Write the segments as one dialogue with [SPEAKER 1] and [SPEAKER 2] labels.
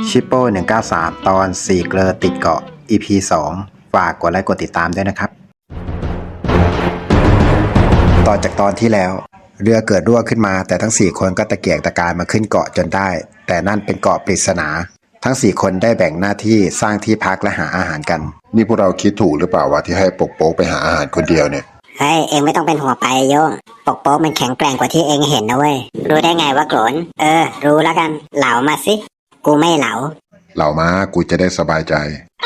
[SPEAKER 1] ชิปโป้193 ตอน4เกลอติดเกาะ EP 2 ฝากกดไลค์กดติดตามด้วยนะครับต่อจากตอนที่แล้วเรือเกิดรั่วขึ้นมาแต่ทั้ง4คนก็ตะเกียกตะกายมาขึ้นเกาะจนได้แต่นั่นเป็นเกาะปริศนาทั้ง4คนได้แบ่งหน้าที่สร้างที่พักและหาอาหารกัน
[SPEAKER 2] นี่พวกเราคิดถูกหรือเปล่าวะที่ให้ปกโป๊กไปหาอาหารคนเดียวเนี่ย
[SPEAKER 3] เฮ้ยเองไม่ต้องเป็นหัวไปโยงปกโป๊กมันแข็งแกร่งกว่าที่เองเห็นนะเว้ยรู้ได้ไงว่าโกรนรู้แล้วกันเหลามาสิกูไม่เหลา
[SPEAKER 2] เหล่ามากูจะได้สบายใจ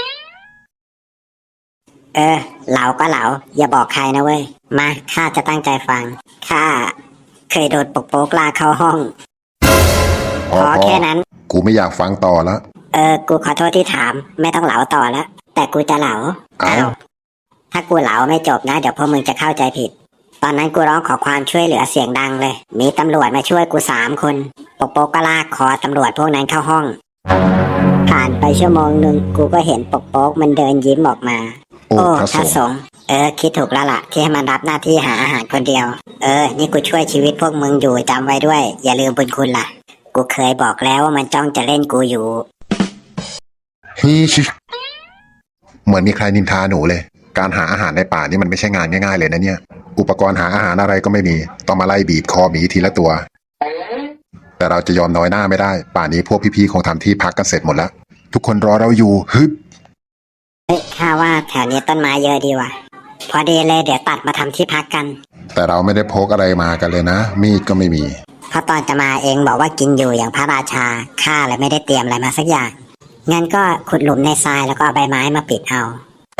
[SPEAKER 3] เหลาก็เหลาอย่าบอกใครนะเว้ยมาข้าจะตั้งใจฟังข้าเคยโดนปกโป๊กลากเข้าห้องพอแค่นั้น
[SPEAKER 2] กูไม่อยากฟังต่อแล้ว
[SPEAKER 3] กูขอโทษที่ถามไม่ต้องเหลาต่อแล้วแต่กูจะเหลาอ้าวถ้ากูเหลาไม่จบนะเดี๋ยวพวกมึงจะเข้าใจผิดตอนนั้นกูร้องขอความช่วยเหลือเสียงดังเลยมีตำรวจมาช่วยกู3 คนปกโป๊กก็ลากคอตำรวจพวกนั้นเข้าห้องผ่านไปชั่วโมงนึงกูก็เห็นปกโป๊กมันเดินยิ้มออกมาโอ้พระสงฆ์คิดถูกแล้วล่ะที่ให้มันรับหน้าที่หาอาหารคนเดียวนี่กูช่วยชีวิตพวกมึงอยู่จำไว้ด้วยอย่าลืมบุญคุณล่ะกูเคยบอกแล้วว่ามันจ้องจะเล่นกูอยู่
[SPEAKER 2] ฮีชิเหมือนมีใครนินทาหนูเลยการหาอาหารในป่านี่มันไม่ใช่งานง่ายๆเลยนะเนี่ยอุปกรณ์หาอาหารอะไรก็ไม่มีต้องมาไล่บีบคอหมีทีละตัวแต่เราจะยอมน้อยหน้าไม่ได้ป่านี้พวกพี่ๆคงทำที่พักกันเสร็จหมดแล้วทุกคนรอเราอยู่ฮึบ
[SPEAKER 3] ข้าว่าแถวนี้ต้นไม้เยอะดีว่ะพอดีเลยเดี๋ยวตัดมาทำที่พักกัน
[SPEAKER 2] แต่เราไม่ได้พกอะไรมากันเลยนะมีดก็ไม่มี
[SPEAKER 3] เพราะตอนจะมาเองบอกว่ากินอยู่อย่างพระราชาข้าเลยไม่ได้เตรียมอะไรมาสักอย่างงั้นก็ขุดหลุมในทรายแล้วก็เอาใบไม้มาปิดเอา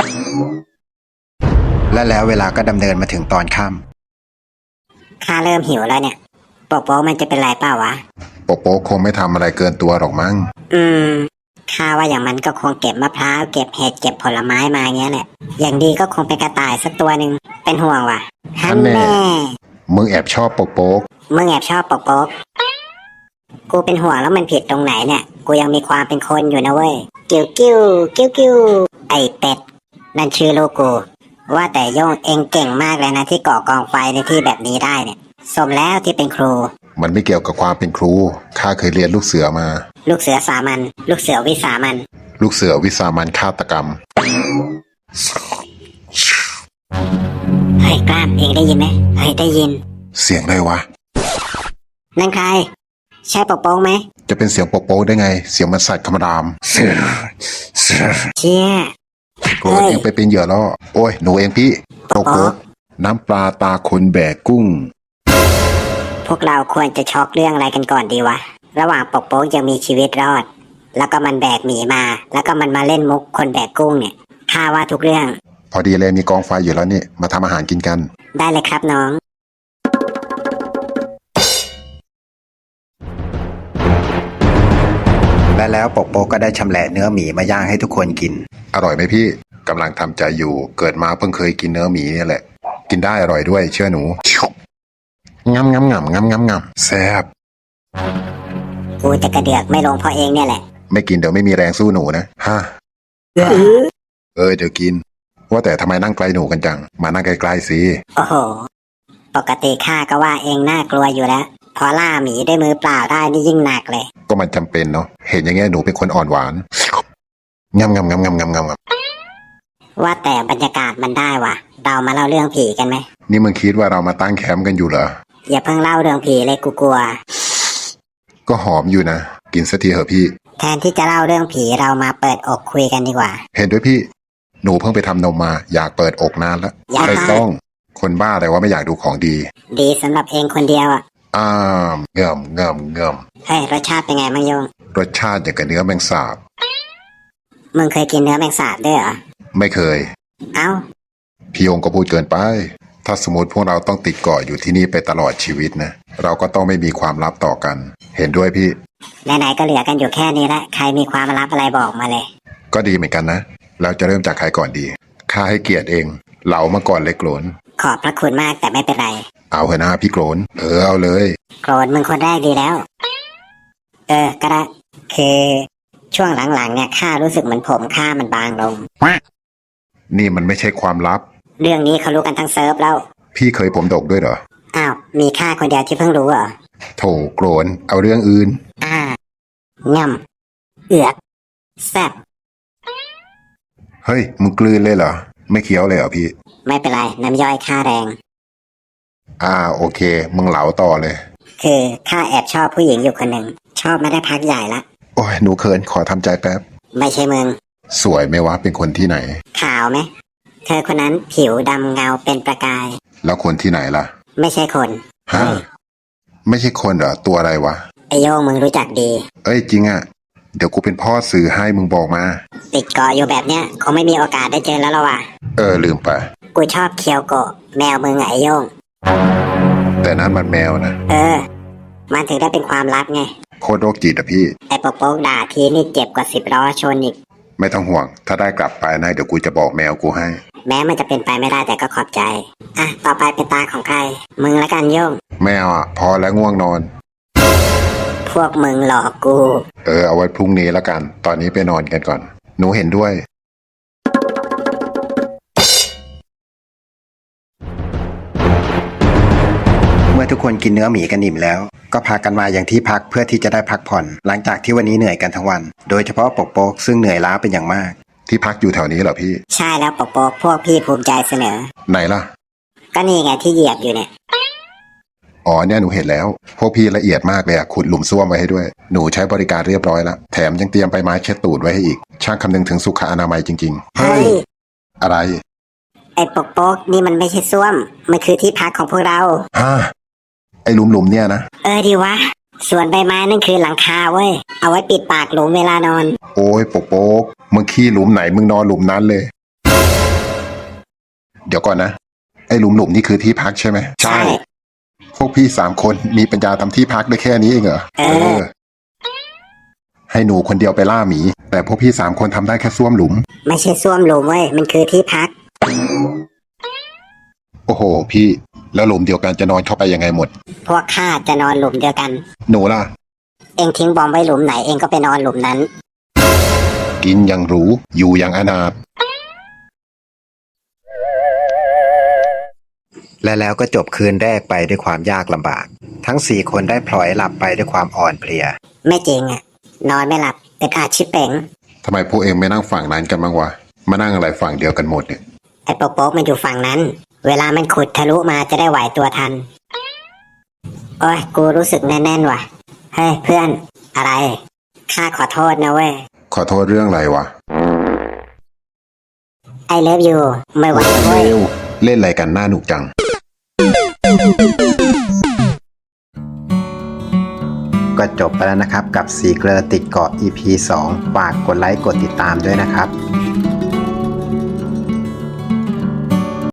[SPEAKER 1] และแล้วเวลาก็ดำเนินมาถึงตอนค่
[SPEAKER 3] ำข้าเริ่มหิวแล้วเนี่ยปกโป๊กมันจะเป็นไรเปล่าวะ
[SPEAKER 2] ปกโป๊กคงไม่ทำอะไรเกินตัวหรอกมั้ง
[SPEAKER 3] ข้าว่าอย่างมันก็คงเก็บมะพร้าวเก็บเห็ดเก็บผลไม้มาเงี้ยแหละอย่างดีก็คงเป็นกระต่ายสักตัวหนึ่งเป็นห่วงว่ะฮันแน่
[SPEAKER 2] มึงแอบชอบปกโป๊ก
[SPEAKER 3] มึงแอบชอบปกโป๊กกูเป็นห่วงแล้วมันผิดตรงไหนเนี่ยกูยังมีความเป็นคนอยู่นะเว้ยกิ้วกิ้วกิ้วกิ้วไอเป็ดนั่นชื่อลูกกูว่าแต่โยงเองเก่งมากเลยนะที่ก่อกองไฟในที่แบบนี้ได้เนี่ยสมแล้วที่เป็นครู
[SPEAKER 2] มันไม่เกี่ยวกับความเป็นครูข้าเคยเรียนลูกเสือมา
[SPEAKER 3] ลูกเสือสามัญลูกเสือวิสามัญ
[SPEAKER 2] ลูกเสือวิสามัญฆาตกรรม
[SPEAKER 3] เฮ้ยกล้ามเองได้ยินไหมเฮ้ยได้ยิน
[SPEAKER 2] เสียงอะไรวะ
[SPEAKER 3] นั่นใครใช่ปกโป๊กไหม
[SPEAKER 2] จะเป็นเสียงปกโป๊กได้ไงเสียงมันสัตว์คำราม
[SPEAKER 3] เชี่ย
[SPEAKER 2] โกรธเองไปเป็นเหยื่อแล้วโอ้ยหนูเองพี่ปกโป๊กน้ำปลาตาคนแบกกุ้ง
[SPEAKER 3] พวกเราควรจะช็อกเรื่องอะไรกันก่อนดีวะระหว่างปกโป๊กยังมีชีวิตรอดแล้วก็มันแบกหมีมาแล้วก็มันมาเล่นมุกคนแบกกุ้งเนี่ยข้าว่าทุกเรื่อง
[SPEAKER 2] พอดีเลยมีกองไฟอยู่แล้วนี่มาทำอาหารกินกัน
[SPEAKER 3] ได้เลยครับน้อง
[SPEAKER 1] และแล้วปกโป๊กก็ได้ชำแหละเนื้อหมีมาย่างให้ทุกคนกิน
[SPEAKER 2] อร่อยไหมพี่กำลังทำใจอยู่เกิดมาเพิ่งเคยกินเนื้อหมีนี่แหละกินได้อร่อยด้วยเชื่อหนูงำแซ่บ
[SPEAKER 3] กูจะกระเดือกไม่ลงเพราะเองเนี่ยแหละ
[SPEAKER 2] ไม่กินเดี๋ยวไม่มีแรงสู้หนูนะฮะเดี๋ยวกินว่าแต่ทำไมนั่งไกลหนูกันจังมานั่งใกล้ๆสิ
[SPEAKER 3] โอ้โหปกติข้าก็ว่าเองน่ากลัวอยู่แล้วพอล่าหมีด้วยมือเปล่าได้นี่ยิ่งหนักเลย
[SPEAKER 2] ก็มันจำเป็นเนาะเห็นอย่างเงี้ยหนูเป็นคนอ่อนหวานงำ
[SPEAKER 3] ว่าแต่บรรยากาศมันได้ว่ะเรามาเล่าเรื่องผีกันไหม
[SPEAKER 2] นี่มึงคิดว่าเรามาตั้งแคมป์กันอยู่เหรอ
[SPEAKER 3] อย่าเพิ่งเล่าเรื่องผีเลยกูกลัว
[SPEAKER 2] ก็หอมอยู่นะกินสักทีเหอะพี่
[SPEAKER 3] แทนที่จะเล่าเรื่องผีเรามาเปิดอกคุยกันดีกว่า
[SPEAKER 2] เห็นด้วยพี่หนูเพิ่งไปทำนมมาอยากเปิดอกนานแล้วไม่ต้องคนบ้าแต่ว่าไม่อยากดูของดี
[SPEAKER 3] สำหรับเองคนเดียวอ่ะ
[SPEAKER 2] เงื่อม
[SPEAKER 3] เฮ้ยรสชาติเป็นไงบ้างโยง
[SPEAKER 2] รสชาติอย่างกับเนื้อแมงสาบ
[SPEAKER 3] มึงเคยกินเนื้อแมงสาบด้วยเหรอ
[SPEAKER 2] ไม่เคย
[SPEAKER 3] เอ้า
[SPEAKER 2] พี่ยงก็พูดเกินไปถ้าสมมติพวกเราต้องติดเกาะอยู่ที่นี่ไปตลอดชีวิตนะเราก็ต้องไม่มีความลับต่อกันเห็นด้วยพี่
[SPEAKER 3] ไหนๆก็เหลือกันอยู่แค่นี้ละใครมีความลับอะไรบอกมาเลย
[SPEAKER 2] ก็ดีเหมือนกันนะเราจะเริ่มจากใครก่อนดีข้าให้เกียรติเองเหลามาก่อนเลยโกรน
[SPEAKER 3] ขอบพระคุณมากแต่ไม่เป็นไร
[SPEAKER 2] เอาเถอะนะพี่โกรนเอาเลย
[SPEAKER 3] โกรนมึงคนแรกดีแล้วก็ได้คือช่วงหลังๆเนี่ยข้ารู้สึกเหมือนผมข้ามันบางลง
[SPEAKER 2] นี่มันไม่ใช่ความลับ
[SPEAKER 3] เรื่องนี้เขารู้กันทั้งเซิร์ฟแล้ว
[SPEAKER 2] พี่เคยผมดกด้วยเหรอ
[SPEAKER 3] อ้าวมีข้าคนเดียวที่เพิ่งรู้เหรอ
[SPEAKER 2] โถโกรนเอาเรื่องอื่น
[SPEAKER 3] ง่เอือกแซ่บ
[SPEAKER 2] เฮ้ยมึงกลืนเลยเหรอไม่เคี้ยวเลยเหรอพี่
[SPEAKER 3] ไม่เป็นไรน้ำย่อยค่าแรง
[SPEAKER 2] โอเคมึงเหลาต่อเลย
[SPEAKER 3] คือข้าแอบชอบผู้หญิงอยู่คนหนึ่งชอบมาได้พักใหญ่ละ
[SPEAKER 2] โอ้ยหนูเขินขอทำใจแป๊บ
[SPEAKER 3] ไม่ใช่มึง
[SPEAKER 2] สวยไหมวะเป็นคนที่ไหน
[SPEAKER 3] ขาวไหมเธอคนนั้นผิวดำเงาเป็นประกาย
[SPEAKER 2] แล้วคนที่ไหนล่ะ
[SPEAKER 3] ไม่ใช่คน
[SPEAKER 2] ฮะไม่ใช่คนเหรอตัวอะไรวะ
[SPEAKER 3] ไอโยงมึงรู้จักดี
[SPEAKER 2] เอ้ยจริงอะเดี๋ยวกูเป็นพ่อสื่อให้มึงบอกมา
[SPEAKER 3] ติดเกาะอยู่แบบเนี้ยคงไม่มีโอกาสได้เจอแล้วละว่ะ
[SPEAKER 2] ลืมไป
[SPEAKER 3] กูชอบเคียวโกะแมวมึงอะไอโยง
[SPEAKER 2] แต่นั้นมันแมวนะ
[SPEAKER 3] มันถึงได้เป็นความลับไง
[SPEAKER 2] โคตรโรคจิตอะพี่
[SPEAKER 3] ไอโป๊กด่าทีนี่เจ็บกว่า10 ล้อชนอีก
[SPEAKER 2] ไม่ต้องห่วง ถ้าได้กลับไปนะเดี๋ยวกูจะบอกแมวกูให้
[SPEAKER 3] แม้มันจะเป็นไปไม่ได้แต่ก็ขอบใจ อ่ะ ต่อไปเป็นตาของใคร มึงละกันโยง
[SPEAKER 2] แมวอะพอแล้วง่วงนอน
[SPEAKER 3] พวกมึงหลอกกู
[SPEAKER 2] เอาไว้พรุ่งนี้แล้วกัน ตอนนี้ไปนอนกันก่อน หนูเห็นด้วย
[SPEAKER 1] เมื่อทุกคนกินเนื้อหมีกันอิ่มแล้ว ก็พากันมาอย่างที่พักเพื่อที่จะได้พักผ่อน หลังจากที่วันนี้เหนื่อยกันทั้งวัน โดยเฉพาะปกโป๊กซึ่งเหนื่อยล้าเป็นอย่างมาก
[SPEAKER 2] ที่พักอยู่แถวนี้เหรอพี่
[SPEAKER 3] ใช่แล้วโป๊กพวกพี่ภูมิใจเสนอ
[SPEAKER 2] ไหนล่ะ
[SPEAKER 3] ก็นี่ไงที่เหยียบอยู่เนี่ย
[SPEAKER 2] อ๋อเนี่ยหนูเห็นแล้ว พวกพี่ละเอียดมากเลยอะขุดหลุมซ่วมไว้ให้ด้วย หนูใช้บริการเรียบร้อยแล้ว แถมยังเตรียมใบไม้เช็ดตูดไว้ให้อีก ช่างคำนึงถึงสุขอนามัยจริงๆ
[SPEAKER 3] เฮ้ย
[SPEAKER 2] อะไร
[SPEAKER 3] ไอ้โป๊กนี่มันไม่ใช่ส้วม มันคือที่พักของพวกเรา
[SPEAKER 2] ฮะ ไอ้หลุมๆเนี่ยนะ
[SPEAKER 3] ดีวะ ส่วนใบไม้นั่นคือหลังคาเว้ย เอาไว้ปิดปากหลุมเวลานอน
[SPEAKER 2] โอ้ยโป๊กมึงขี้หลุมไหนมึงนอนหลุมนั้นเลย เดี๋ยวก่อนนะ ไอ้หลุมนี่คือที่พักใช่ไหม
[SPEAKER 3] ใช่
[SPEAKER 2] พวกพี่3 คนมีปัญญาทำที่พักได้แค่นี้เองเหรอ ให้หนูคนเดียวไปล่าหมี แต่พวกพี่3 คนทำได้แค่ซ่วมหลุม
[SPEAKER 3] ไม่ใช่ส้วมหลุมเว้ย มันคือที่พัก
[SPEAKER 2] โอ้โห พี่ แล้วหลุมเดียวกันจะนอนเข้าไปยังไงหมด
[SPEAKER 3] พวกข้าจะนอนหลุมเดียวกัน
[SPEAKER 2] หนูล่ะ
[SPEAKER 3] เองทิ้งบอมไว้หลุมไหนเองก็ไปนอนหลุมนั้น
[SPEAKER 2] กินอย่างหรู อยู่อย่างอนาถ
[SPEAKER 1] และแล้วก็จบคืนแรกไปด้วยความยากลำบาก ทั้ง4 คนได้พลอยหลับไปด้วยความอ่อนเพลีย
[SPEAKER 3] ไม่จริงอะนอนไม่หลับอึดอัดชิบเป๋ง
[SPEAKER 2] ทำไมพวกเองไม่นั่งฝั่งนั้นกันบ้างวะ มานั่งอะไรฝั่งเดียวกันหมดเนี่ย
[SPEAKER 3] ไอ้โป๊กมันอยู่ฝั่งนั้น เวลามันขุดทะลุมาจะได้ไหวตัวทัน โอ้ยกูรู้สึกแน่นๆว่ะ เฮ้ยเพื่อน อะไรข้าขอโทษนะเว้ย
[SPEAKER 2] ขอโทษเรื่องอะไรวะ
[SPEAKER 3] ไอเลิฟยูไม่ไหวเว้ย
[SPEAKER 2] เร็วเล่นอะไรกันหน้าหนุกจัง
[SPEAKER 1] ก็จบไปแล้วนะครับกับสีเกลอติดเกาะ EP 2 ฝากกดไลค์กดติดตามด้วยนะครับ